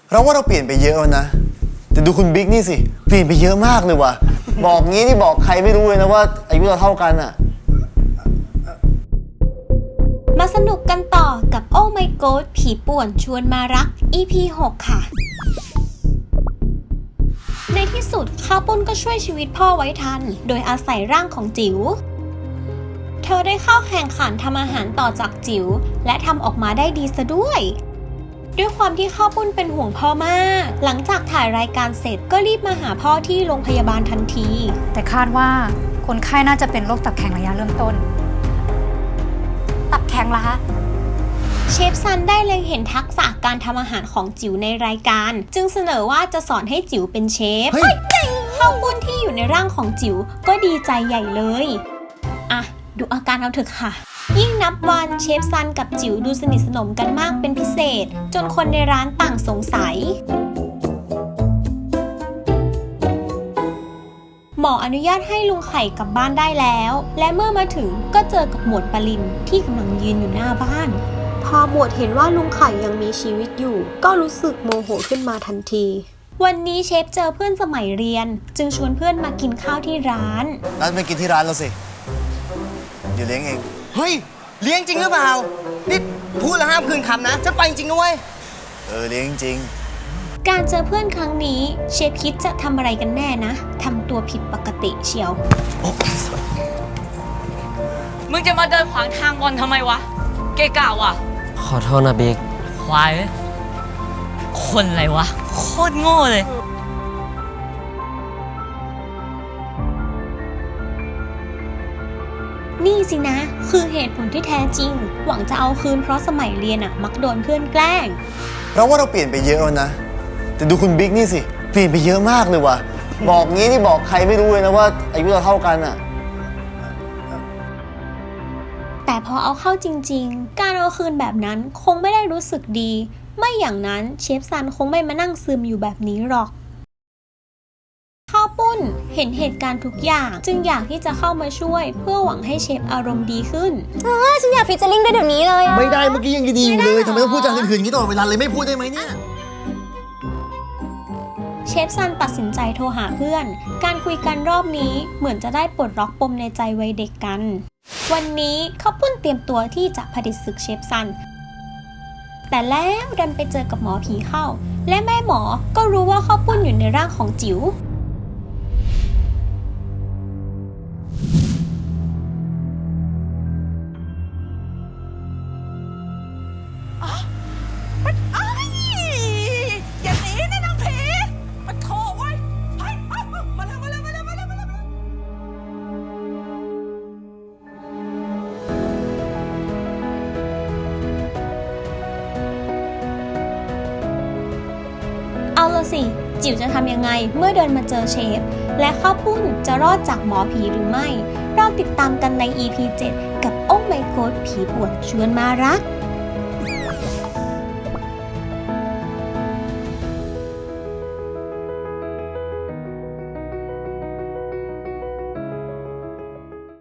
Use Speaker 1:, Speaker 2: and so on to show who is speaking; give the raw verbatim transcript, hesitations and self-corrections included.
Speaker 1: เราว่าเราเปลี่ยนไปเยอะแล้วนะแต่ดูคุณบิ๊กนี่สิเปลี่ยนไปเยอะมากเลยว่ะบอกงี้นี่บอกใครไม่รู้เลยนะว่าอายุเราเท่ากันอะ
Speaker 2: มาสนุกกันต่อกับโอ้ my god ผีป่วนชวนมารัก อี พี หก ค่ะในที่สุดข้าวปุ้นก็ช่วยชีวิตพ่อไว้ทันโดยอาศัยร่างของจิ๋วเธอได้เข้าแข่งขันทำอาหารต่อจากจิ๋วและทำออกมาได้ดีซะด้วยด้วยความที่ข้าวปุ้นเป็นห่วงพ่อมากหลังจากถ่ายรายการเสร็จก็รีบมาหาพ่อที่โรงพยาบาลทันที
Speaker 3: แต่คาดว่าคนไข้น่าจะเป็นโรคตับแข็งระยะเริ่มต้นตับแข็งเหรอคะ
Speaker 2: เชฟซันได้เล็งเห็นทักษะการทำอาหารของจิ๋วในรายการจึงเสนอว่าจะสอนให้จิ๋วเป็นเชฟข้าวปุ้นที่อยู่ในร่างของจิ๋วก็ดีใจใหญ่เลยอ่ะดูอาการเอาเถอะค่ะยิ่งนับวันเชฟซันกับจิ๋วดูสนิทสนมกันมากเป็นพิเศษจนคนในร้านต่างสงสัยหมออนุญาตให้ลุงไข่กลับบ้านได้แล้วและเมื่อมาถึงก็เจอกับหมวดปรินที่กำลังยืนอยู่หน้าบ้านพอหมวดเห็นว่าลุงไข่ยังมีชีวิตอยู่ก็รู้สึกโมโหขึ้นมาทันทีวันนี้เชฟเจอเพื่อนสมัยเรียนจึงชวนเพื่อนมากินข้าวที่ร้าน
Speaker 1: นัดไปกินที่ร้านเราสิเดี๋ยวเลี้ยงเอง
Speaker 4: เฮ้ยเลี้ยงจริงหรือเปล่านี่พูดแล้วห้ามคืนคำนะฉันไปจริงนะเว้ย
Speaker 1: เออเลี้ยงจริง
Speaker 2: การเจอเพื่อนครั้งนี้เชฟคิดจะทำอะไรกันแน่นะทำตัวผิดปกติเชียว
Speaker 5: มึงจะมาเดินขวางทางบอลทำไมวะเกะกะว่ะ
Speaker 6: ขอโทษนะบิ๊ก
Speaker 5: ควายคนอะไรวะโคตรโง่เลย
Speaker 2: นี่สินะคือเหตุผลที่แท้จริงหวังจะเอาคืนเพราะสมัยเรียนอะมักโดนเพื่อนแกล้ง
Speaker 1: เราว่าเราเปลี่ยนไปเยอะแล้วนะแต่ดูคุณบิ๊กนี่สิเปลี่ยนไปเยอะมากเลยว่ะบอกงี้นี่บอกใครไม่รู้เลยนะว่าอายุเราเท่ากันอะ
Speaker 2: แต่พอเอาเข้าจริงๆการเอาคืนแบบนั้นคงไม่ได้รู้สึกดีไม่อย่างนั้นเชฟซันคงไม่มานั่งซึมอยู่แบบนี้หรอกข้าวปุ้นเห็นเหตุการณ์ทุกอย่างจึงอยากที่จะเข้ามาช่วยเพื่อหวังให้เชฟอารมณ์ดีขึ้น
Speaker 3: เออฉันอยากฟิชเชอร์ลิงด้วยเดี๋ยวนี้เลย
Speaker 1: ไม่ได้เมื่อกี้ยังดีอยู่เลยทำไมต้องพูดจาหื่นๆอย่างนี้ตลอดเวลาเลยไม่พูดได้ไหมเนี่ย
Speaker 2: เชฟซันตัดสินใจโทรหาเพื่อนการคุยกันรอบนี้เหมือนจะได้ปลดล็อกปมในใจวัยเด็กกันวันนี้ข้าวปุ้นเตรียมตัวที่จะผดิตศึกเชฟซันแต่แล้วดันไปเจอกับหมอผีเข้าและแม่หมอก็รู้ว่าข้าวปุ้นอยู่ในร่างของจิ๋วเอาละสิจิ๋วจะทำยังไงเมื่อเดินมาเจอเชฟและข้าวปุ้นจะรอดจากหมอผีหรือไม่เราติดตามกันใน อี พี เจ็ดกับโอ้ my god ผีป่วนชวนมารัก